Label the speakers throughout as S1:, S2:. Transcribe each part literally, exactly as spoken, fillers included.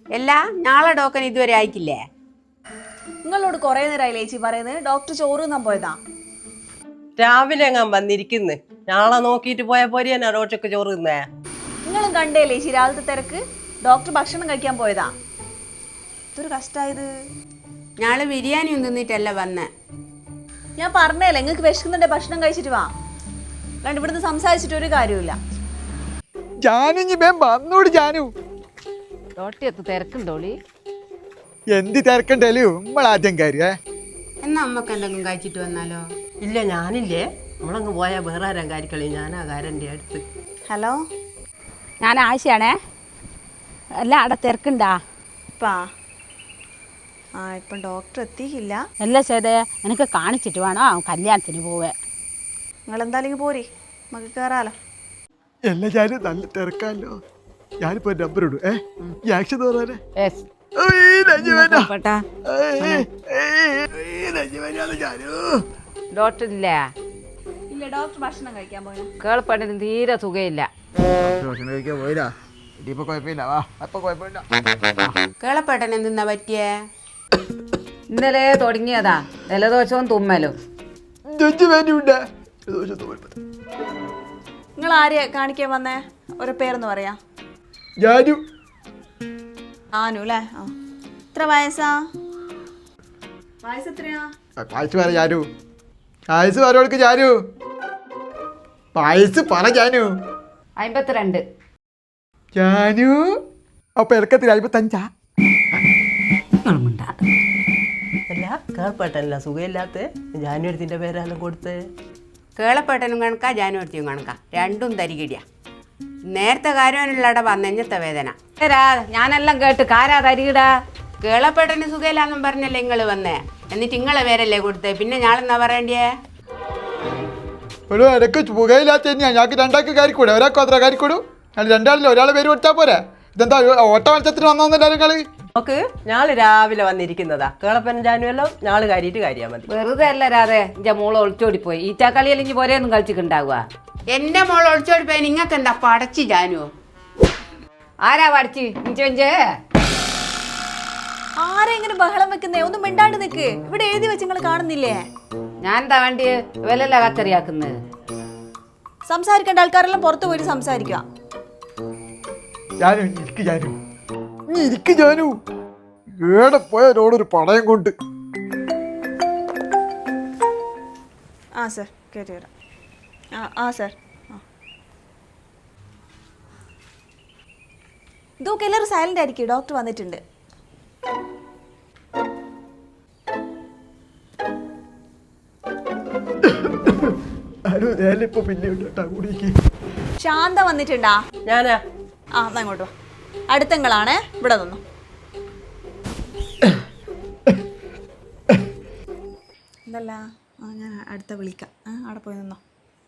S1: എല്ലാ നാളെ ടോക്കൺ ഇതുവരെ അയക്കില്ലേ?
S2: നിങ്ങളോട് കുറെ നേരമായി ചേച്ചി പറയുന്നത് ഡോക്ടർ ചോറ് തിന്നാൻ പോയതാ.
S3: രാവിലെ എങ്ങാൻ വന്നിരിക്കുന്നു. നാളെ നോക്കിയിട്ട് പോയ പോരെയാ റോട്ടൊക്കെ ചോറ് തിന്നേ.
S2: നിങ്ങളും കണ്ടേ ചേച്ചി രാവിലത്തെ തിരക്ക്. ഡോക്ടർ ഭക്ഷണം കഴിക്കാൻ പോയതാ. ഇതൊരു കഷ്ടായത്.
S1: നാളെ ബിരിയാണി ഒന്നും തിന്നിട്ടല്ല വന്നേ.
S2: ഞാൻ പറഞ്ഞല്ലേ നിങ്ങൾക്ക് വിശക്കുന്നുണ്ടെ ഭക്ഷണം കഴിച്ചിട്ട് വാ. കണ്ട് ഇവിടുന്ന് സംസാരിച്ചിട്ട് ഒരു കാര്യമില്ല.
S4: ജാനു വന്നോട് ജാനു
S5: റോട്ടിയത്ത് തിരക്കുണ്ടോളി?
S4: എന്ത് തിരക്കണ്ടല്ലോ നമ്മളാദ്യം കാര്യേ.
S1: എന്നാ അമ്മക്ക് എന്തെങ്കിലും കഴിച്ചിട്ട് വന്നാലോ?
S3: ഇല്ല ഞാനില്ലേ, നമ്മളങ്ങ് പോയാൽ വേറെ ആരാൻ കാര്യക്കളി. ഞാനാ കാരൻ്റെ അടുത്ത്.
S2: ഹലോ,
S5: ഞാൻ ആശയാണേ. അല്ല അവിടെ തിരക്കുണ്ടാ?
S2: ഇപ്പാ ആ ഇപ്പം ഡോക്ടർ എത്തിയില്ല.
S5: അല്ല ചേതേ, എനിക്ക് കാണിച്ചിട്ട് വേണം കല്യാണത്തിന് പോവേ.
S2: നിങ്ങളെന്തായാലും പോരി, നമുക്ക് കയറാലോ.
S4: എല്ലാ ജാനു നല്ല തിരക്കാലോ. ഞാനിപ്പോ നമ്പർ ഇടും. ഏ ഈ ആക്ഷൻ തോന്നാനേ
S5: ഡോക്ടർ ഇല്ല.
S2: ഇല്ല, ഡോക്ടർ ഭക്ഷണം കഴിക്കാൻ പോയാ.
S5: കേൾപ്പണ്ടിന് തീരെ സുഖമില്ല.
S4: ഭക്ഷണം കഴിക്കാൻ പോയില്ല. ഇനിയിപ്പോ കുഴപ്പമില്ല. വാ അപ്പൊ കുഴപ്പമില്ല.
S1: കേളപ്പേട്ടൻ എന്തെന്നാ പറ്റിയേ?
S5: ഇന്നലെ തുടങ്ങിയതാ ജലദോഷവും തുമ്മലും.
S2: നിങ്ങൾ ആരെയാ കാണിക്കാൻ വന്നേ? ഒരു പേരൊന്ന് പറയാ.
S4: ജാനു.
S2: ആനു അല്ലേ? ആ, എത്ര വയസ്സാ? വയസ്സ് എത്രയാ?
S4: വയസ്സ് പറ ജാനു. വയസ്സ് പറയോൾക്ക് ജാനു. വയസ്സ് പറ ജാനു.
S5: അമ്പത്തിരണ്ട്.
S4: ജാനു അപ്പൊ ഇറക്കത്തിൽ അമ്പത്തഞ്ചാ?
S3: അല്ല കേൾപ്പട്ടല്ല സുഖമില്ലാത്ത ജാനുവരത്തിൻ്റെ പേരെല്ലാം കൊടുത്ത്.
S1: കേളപ്പേട്ടനും കണക്കാ ജാനുവരത്തിയും കണക്കാ, രണ്ടും തരികിടിയാ. നേരത്തെ കാര്യവാനുള്ളട വന്നെഞ്ഞത്തെ വേദന.
S5: ഞാനെല്ലാം കേട്ട് കാരാ തരികിടാ.
S1: കേളപ്പേട്ടന് സുഖമില്ലാന്നും പറഞ്ഞല്ലേ നിങ്ങൾ വന്നേ. എന്നിട്ട് ഇങ്ങളെ പേരല്ലേ കൊടുത്തേ, പിന്നെ ഞാളെന്നാ പറയണ്ടേ?
S4: ഒരു ഇടയ്ക്ക് പുകയില്ലാത്ത തന്നെയാ. ഞങ്ങൾക്ക് രണ്ടാൾക്ക് കാര്യക്കൂടെ? ഒരാൾക്ക് അത്ര കാര്യക്കൂടും. ഞാൻ രണ്ടാളില്ല, ഒരാളെ പേര് കൊടുത്താൽ പോരാ. ഇതെന്താ ഓട്ട മത്സരത്തിന് വന്നോന്നല്ല നിങ്ങള്?
S3: നോക്ക്, ഞാള് രാവിലെ വന്നിരിക്കുന്നതാ. കേളപ്പനും ജാനുവെല്ലാം ഞാള് കാര്യമായിട്ട് കാര്യാ മതി.
S5: വെറുതെ അല്ല രാധേ, എന്റെ മോള് ഒളിച്ചോടി പോയി. ഈറ്റാക്കളി അല്ലെങ്കിൽ പോരെയൊന്നും കളിച്ചിട്ടുണ്ടാവുക.
S1: എന്റെ മോൾ ഒളിച്ചോടി പോയി. നിങ്ങൾക്ക് എന്താ പടച്ചു ജാനു?
S5: ആരാ പഠിച്ച് ഇഞ്ചേ?
S2: ആരാ ഇങ്ങനെ ബഹളം വെക്കുന്നേ? ഒന്നും മിണ്ടാണ്ട് നിക്ക്. ഇവിടെ എഴുതി വെച്ച് നിങ്ങൾ കാണുന്നില്ലേ?
S5: ഞാൻ എന്താ വേണ്ടി വിലല്ല കച്ചറിയാക്കുന്നത്?
S2: സംസാരിക്കേണ്ട ആൾക്കാരെല്ലാം പുറത്തു പോയിട്ട് സംസാരിക്കുക.
S4: ജാനു ഇരിക്ക് ജാനു, നീ ഇരിക്ക് ജാനു. ഏടെ പോയവരോടൊരു പടയം കൊണ്ട്.
S2: ആ സർ, കയറി വരാം. ആ ആ സർ. ആ ഇതൊക്കെ എല്ലാവരും സൈലന്റ് ആയിരിക്കും. ഡോക്ടർ വന്നിട്ടുണ്ട്.
S4: ഇപ്പൊ പിന്നെ കൂടിക്ക്.
S2: ശാന്ത വന്നിട്ടുണ്ടാ?
S3: ഞാനാ.
S2: ആ എന്നാ ഇങ്ങോട്ട് വാ. അടുത്തങ്ങളാണേ, ഇവിടെ നിന്നു. എന്തല്ല, ആ ഞാൻ അടുത്ത വിളിക്കാം. ആ അവിടെ പോയി നിന്നോ.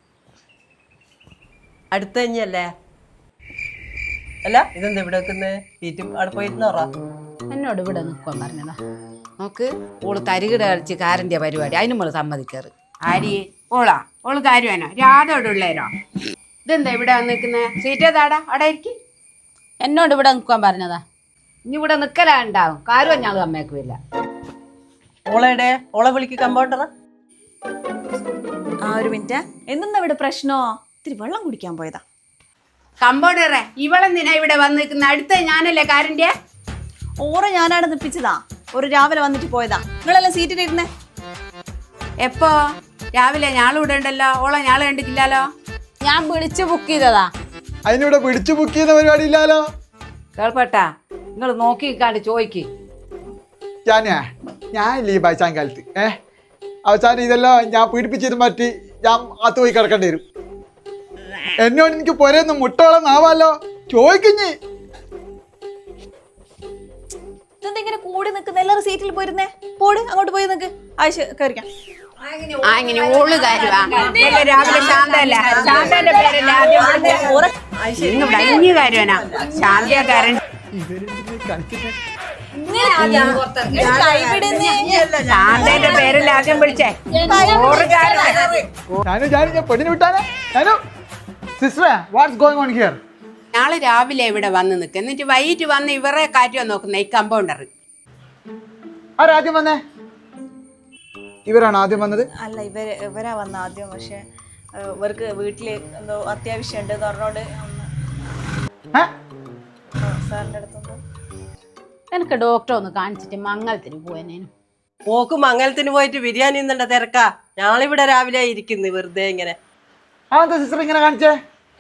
S3: അടുത്ത തന്നെയല്ലേ? അല്ല ഇതെന്താ ഇവിടെ വെക്കുന്നത്? സീറ്റും അവിടെ പോയിരുന്നോറാ.
S5: എന്നോട് ഇവിടെ നിൽക്കാൻ പറഞ്ഞതാ. നോക്ക്, ഓള് തരികിട കളിച്ച് കാരൻ്റെ പരിപാടി. അതിന് നമ്മൾ സമ്മതിക്കാറ്.
S1: ആരി ഓളാ? ഓള് കാര്യവാനോ? രാധോടെ ഉള്ളേരോ? ഇതെന്താ ഇവിടെ വന്നിരിക്കുന്നേ? സീറ്റ് താടാ, അവിടെ ഇരിക്കും.
S5: എന്നോട് ഇവിടെ നിൽക്കാൻ പറഞ്ഞതാ. ഇനി ഇവിടെ നിൽക്കലാ ഉണ്ടാവും. കാര്യം ഞങ്ങൾ സമ്മതിക്കില്ല.
S3: ഓളയുടെ ഓളെ വിളിക്ക് കമ്പൗണ്ടറാ.
S2: ആ ഒരു മിനിറ്റ്. എന്തെന്നാ ഇവിടെ പ്രശ്നോ? ഇത്തിരി വെള്ളം കുടിക്കാൻ പോയതാ.
S1: കമ്പൗണ്ടറെ, ഇവളെന്തിനാ ഇവിടെ വന്ന് നിൽക്കുന്ന? അടുത്ത ഞാനല്ലേ കാരൻ്റെ?
S2: ഓറ ഞാനാണ് നിപ്പിച്ചതാ. ഒരു രാവിലെ വന്നിട്ട് പോയതാ. നിങ്ങളെല്ലാം സീറ്റിലിരുന്നേ.
S1: എപ്പോ? രാവിലെ ഞാളിവിടെ ഉണ്ടല്ലോ. ഓളെ ഞാള് കണ്ടിട്ടില്ലല്ലോ.
S5: ഞാൻ വിളിച്ച് ബുക്ക് ചെയ്തതാ.
S4: അതിനിവിടെ പിടിച്ചു ബുക്ക് ചെയ്യുന്ന പരിപാടി ഇല്ലാലോ.
S5: കേൾപ്പട്ടാ, നിങ്ങൾ നോക്കിക്കാണ്ട് ചോദിക്ക്.
S4: ഞാനാ ഞാനില്ലേ ഈ ബൈസാൻ കാലത്ത് ഏ അവസാനം ഇതെല്ലാം ഞാൻ പീഡിപ്പിച്ചിരുന്ന് പറ്റി ഞാൻ അകത്ത് പോയി കിടക്കേണ്ടി വരും. എന്നോട് എനിക്ക് പൊരയൊന്ന് മുട്ടോളം നാവാലോ. ചോദിക്കുഞ്ഞ്
S2: ഇതെന്തെങ്ങനെ കൂടി നിൽക്കുന്ന? എല്ലാവരും സീറ്റിൽ പോയിരുന്നേ. പോട്, അങ്ങോട്ട് പോയി നിൽക്ക്. ആയിഷ കയറിക്കാം.
S1: ആ ഇങ്ങനെ ഓള് കാര്യവാ. രാവിലെ ശാന്തല്ല, ശാന്തന്റെ പേരല്ലേ ആദ്യം ഇവിടെ അഞ്ഞു കാര്യവാനാ. ശാന്തക്കാരൻ ശാന്തന്റെ പേരല്ലേ ആദ്യം വിളിച്ചേ.
S4: ഞാനും ഞാനും ഞാൻ പെണ്ണിന് വിട്ടാനേ. ഞാനോ സിസ്റ്ററെ വാട്ട്സ് ഗോയിങ് ഓൺ ഹിയർ?
S1: നാളെ രാവിലെ ഇവിടെ വന്ന് നിൽക്കുക എന്നിട്ട് വൈകിട്ട് വന്ന് ഇവരെ കാറ്റുവാ നോക്കുന്ന ഈ കമ്പൗണ്ടർ.
S4: ആരാദ്യം വന്നേ? ഇവരാണ് ആദ്യം വന്നത്?
S2: അല്ല, ഇവര് ഇവരാ വന്ന ആദ്യം. പക്ഷെ ഇവർക്ക് വീട്ടില് എന്തോ അത്യാവശ്യം ഉണ്ട് പറഞ്ഞോണ്ട് സാറിന്റെ അടുത്തൊന്ന്
S5: എനിക്ക് ഡോക്ടറെ ഒന്ന് കാണിച്ചിട്ട് മംഗലത്തിന് പോയനേനു.
S3: പോക്ക് മംഗലത്തിന് പോയിട്ട് ബിരിയാണി നിന്നുണ്ട തിരക്കാ. ഞാളിവിടെ രാവിലെ ഇരിക്കുന്നു വെറുതെ ഇങ്ങനെ.
S4: ആ എന്താ സിസ്റ്റർ ഇങ്ങനെ കാണിച്ചേ?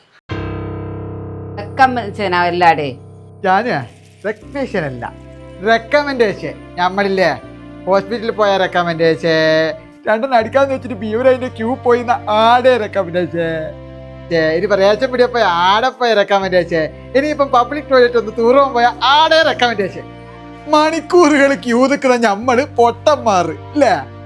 S5: എല്ലാടേ
S4: ഞാന് റെക്കമെൻഡേഷൻ അല്ല, റെക്കമെൻഡേഷൻ. നമ്മളില്ലേ ഹോസ്പിറ്റലിൽ പോയ റെക്കമെൻഡേഷൻ, രണ്ടെണ്ണം അടിക്കാന്ന് വെച്ചിട്ട് ബീവർ അതിന്റെ ക്യൂ പോയി ആടെ റെക്കമെൻഡേഷൻ. ഇനി റേഷൻ പിടിയെ പോയ ആടെ പോയ റെക്കമെൻഡേഷൻ. ഇനിയിപ്പം പബ്ലിക് ടോയ്ലറ്റ് ഒന്ന് തൂറാൻ പോയ ആടെ റെക്കമെൻഡേഷൻ. മണിക്കൂറുകൾ ക്യൂ നിൽക്കുന്ന നമ്മള് പൊട്ടന്മാർ അല്ലേ?